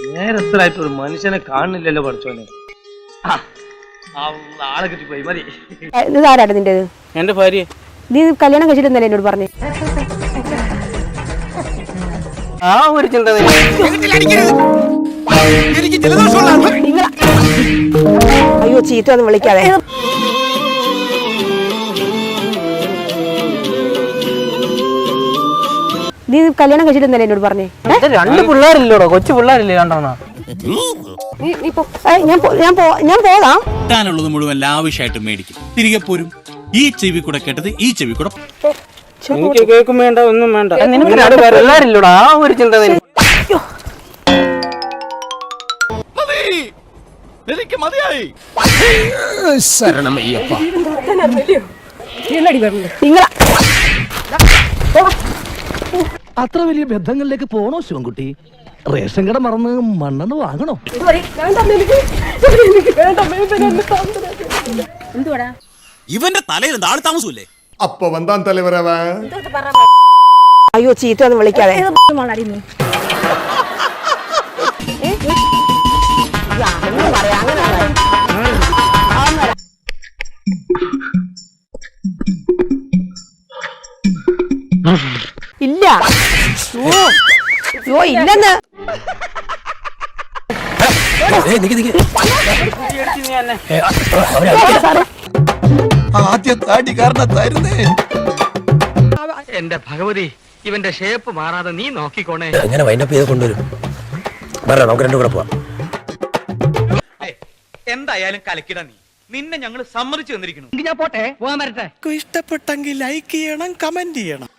നേരത്തിലായിട്ട് ഒരു മനുഷ്യനെ കാണുന്നില്ലല്ലോ പഠിച്ചോനെ. ആളെ കിട്ടിപ്പോയി മതി. ഇതാരാണ് നിന്റേത്? എന്റെ ഭാര്യ. നീ കല്യാണം കഴിച്ചിട്ടെന്നല്ലേ എന്നോട് പറഞ്ഞു? ആ ഒരു ചിന്ത അയ്യോ ചീത്ത ഒന്നും വിളിക്കാതെ. നീ കല്യാണം കഴിച്ചിട്ടെന്നല്ലേ എന്നോട് പറഞ്ഞേ? രണ്ട് പിള്ളേരില്ലോടോ, കൊച്ചു പിള്ളേരില്ലേ രണ്ടെണ്ണം. ഞാൻ പോകാം. കിട്ടാനുള്ളത് മുഴുവൻ ലാവിഷായിട്ട് മേടിക്കും, തിരികെ പോരും. ഈ ചെവി കൂടെ കേട്ടത് ഈ ചെവി കൂടെ. എനിക്ക് കേൾക്കും വേണ്ട, ഒന്നും വേണ്ട. പിള്ളേരില്ലോടോ, ആ ഒരു ചിന്ത. എനിക്ക് മതിയായി. അത്ര വലിയ ബന്ധങ്ങളിലേക്ക് പോണോ ശിവൻകുട്ടി? റേഷൻ കട മറന്ന് മണ്ണെന്ന് വാങ്ങണോ? ഇവന്റെ തലയിൽ താഴെ താമസമില്ലേ? അപ്പൊ വന്താൻ തലവരവ. അയ്യോ ചീത്ത ഒന്നും വിളിക്കാതെ. ഇല്ല ഇല്ലെന്ന്. എന്റെ ഭഗവതി, ഇവന്റെ ഷേപ്പ് മാറാതെ നീ നോക്കിക്കോണേ. എങ്ങനെ വൈൻഡപ്പ് ചെയ്ത് കൊണ്ടുവരും? നമുക്ക് രണ്ടു കൂടെ പോവാം. എന്തായാലും കലക്കിട നീ. നിന്നെ ഞങ്ങൾ സമ്മതിച്ചു തന്നിരിക്കുന്നു. ഞാൻ പോട്ടെ, പോകാൻ വരട്ടെ. ഇഷ്ടപ്പെട്ടെങ്കിൽ ലൈക്ക് ചെയ്യണം, കമന്റ് ചെയ്യണം.